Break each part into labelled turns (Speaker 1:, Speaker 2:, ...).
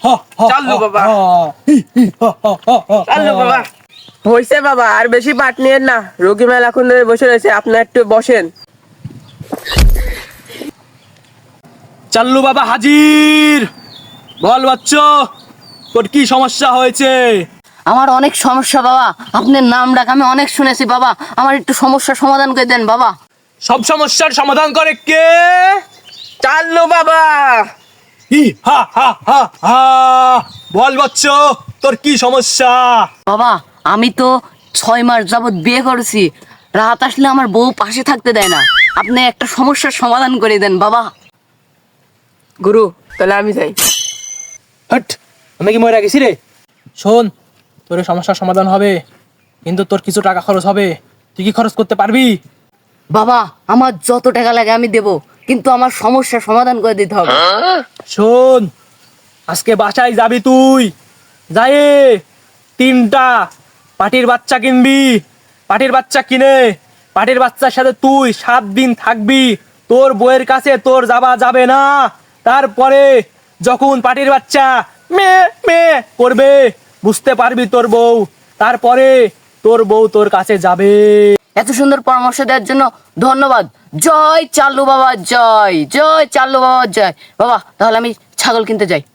Speaker 1: চালু বাবা, চালু বাবা। হয়েছে বাবা, আর বেশি পাট নিয়েন না, রোগী মেলা এখন ধরে বসে রয়েছে, আপনি একটু বসেন।
Speaker 2: চাল্লু বাবা হাজির। বল বাচ্চো, তোর কি সমস্যা হয়েছে?
Speaker 3: আমার অনেক সমস্যা বাবা, আপনার নাম ডাক আমি অনেক শুনেছি বাবা, আমার একটু সমস্যার সমাধান করে দেন বাবা।
Speaker 2: সব সমস্যার সমাধান করে কে?
Speaker 1: চালু বাবা।
Speaker 2: হি হা হা হা হা। বল বাচ্চো, তোর কি সমস্যা?
Speaker 3: বাবা আমি তো 6 মাস যাবত বিয়ে করেছি, রাত আসলে আমার বউ পাশে থাকতে দেয় না, আপনি একটা সমস্যার সমাধান করে দেন বাবা।
Speaker 1: গুরু, তাহলে আমি যাই।
Speaker 2: হট, আমি কি মরে গেছি রে? শোন, তোর এই সমস্যার সমাধান হবে, কিন্তু তোর কিছু টাকা খরচ হবে। তুই কি খরচ করতে পারবি?
Speaker 3: বাবা আমার যত টাকা লাগে আমি দেব, কিন্তু আমার সমস্যার সমাধান করে দিতে হবে।
Speaker 2: শোন, আজকে বাসায় যাবি তুই, যাই 3টা পাটির বাচ্চা কিনবি। পাটির বাচ্চা কিনে পাটির বাচ্চার সাথে তুই 7 দিন থাকবি। তোর বউয়ের কাছে তোর যাওয়া যাবে না। তারপরে যখন পাটির বাচ্চা মে মে করবে, বুঝতে পারবি তোর বউ। তারপরে তোর বউ তোর কাছে যাবে।
Speaker 3: এত সুন্দর পরামর্শ দেওয়ার জন্য ধন্যবাদ। জয় চাল্লু বাবা, জয় জয় চাল্লু বাবা, জয়। বাবা তাহলে আমি ছাগল কিনতে যাই।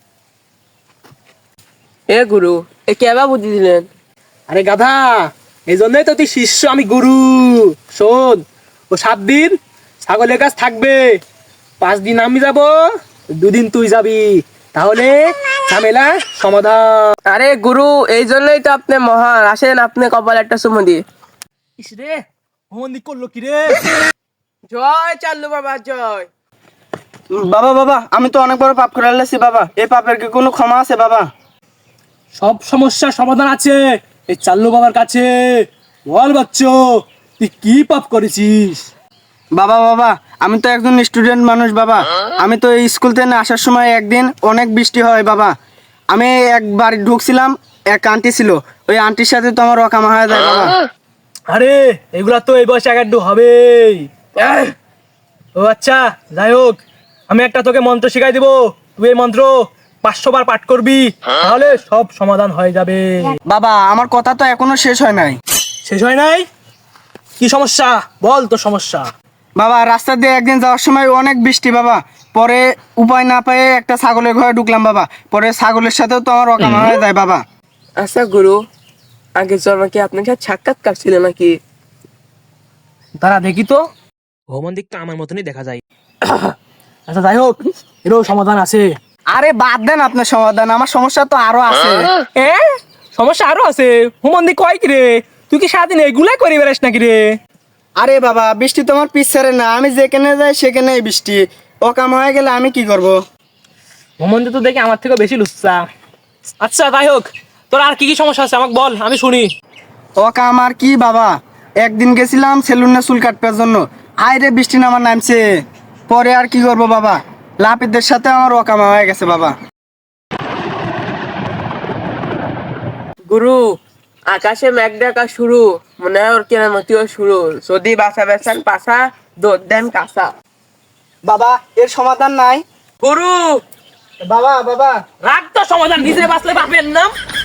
Speaker 1: এ গুরু, এ কেবা বুদ্ধি দিলেন?
Speaker 2: আরে গাধা, এই জন্যই তো তুই শিষ্য, আমি গুরু। শোন, ও 7 দিন ছাগলের কাছ থাকবে, 5 দিন আমি যাব, 2 দিন তুই যাবি। তাহলে ঝামেলা সমাধান।
Speaker 1: আরে গুরু, এই জন্যই তো আপনি মহান। আসেন, আপনি কপালে একটা চুমু দিয়ে।
Speaker 2: ইস রে, হোমন্দি করলো কি রে?
Speaker 1: জয় চাল্লু বাবা, জয়।
Speaker 4: বাবা বাবা, আমি তো অনেক বড় পাপ করে আনলাম বাবা, এই পাপের কি কোনো ক্ষমা আছে বাবা?
Speaker 2: সব সমস্যার সমাধান আছে এই চাল্লু বাবার কাছে। বল বাচ্চো, তুই কি পাপ করেছিস?
Speaker 4: বাবা বাবা, আমি তো একজন স্টুডেন্ট মানুষ বাবা। আমি তো এই স্কুল থেকে আসার সময় একদিন অনেক বৃষ্টি হয় বাবা। আমি একবার ঢুকছিলাম, এক আন্টি ছিল, ওই আন্টির সাথে তো আমার অকামা হয়ে যায় বাবা।
Speaker 2: আরে এগুলা তো এই বয়সে একটু হবেই। ও আচ্ছা, যাই হোক, আমি একটা তোকে মন্ত্র শিখাই দিব। তুই এই মন্ত্র 500 বার পাঠ করবি, তাহলে সব সমাধান হয়ে যাবে।
Speaker 4: বাবা আমার কথা তো এখনো শেষ হয় নাই।
Speaker 2: শেষ হয় নাই? কি সমস্যা বল, তোর সমস্যা।
Speaker 4: বাবা রাস্তা দিয়ে একদিন যাওয়ার সময় অনেক বৃষ্টি বাবা, পরে উপায় না পেয়ে একটা ছাগলের ঘরে ঢুকলাম বাবা, পরে ছাগলের সাথেও তো আমার অকামা হয়ে যায় বাবা।
Speaker 1: আচ্ছা গুরু, আগের জন্মে কি আপনার সাথে সাক্ষাৎকার ছিল নাকি?
Speaker 2: তারা দেখি তো, ভ্রমণ দিকটা আমার মতনই দেখা যায়। আচ্ছা যাই হোক, এরও সমাধান আছে।
Speaker 4: আরে বাদ দেন আপনার সমাধান, আমার সমস্যা তো আরো আছে।
Speaker 2: এ সমস্যা আরো আছে? হুমন্দি কয় কি রে? তুই কি সারাদিন এগুলাই করে বেড়াস নাকি রে?
Speaker 4: আরে বাবা, বৃষ্টি তোমার পিছারে না, আমি যেখানে যাই সেখানেই বৃষ্টি। অকাম হয়ে গেলে আমি কি করব?
Speaker 2: হুমন্দি তো দেখি আমার থেকে বেশি লুচ্চা। আচ্ছা যাই হোক, তোর আর কি কি সমস্যা আছে আমাকে বল, আমি শুনি।
Speaker 4: অকাম আর কি বাবা, একদিন গেছিলাম সেলুনে চুল কাটবার জন্য, আইরে বৃষ্টি নামার নামছে, পরে আর কি করব বাবা, লাপিদের সাথে আমার অকামা হয়ে গেছে বাবা।
Speaker 1: গুরু, আকাশে মেঘ ডাকা শুরু, মনে হয় ওর কেনামতিও শুরু। যদি বাসা বেচান পাশা, দৌড় দেন কাঁচা।
Speaker 4: বাবা এর সমাধান নাই?
Speaker 1: গুরু,
Speaker 4: বাবা বাবা
Speaker 2: রাগ তো সমাধান, নিজে বাঁচলে বাপের নাম।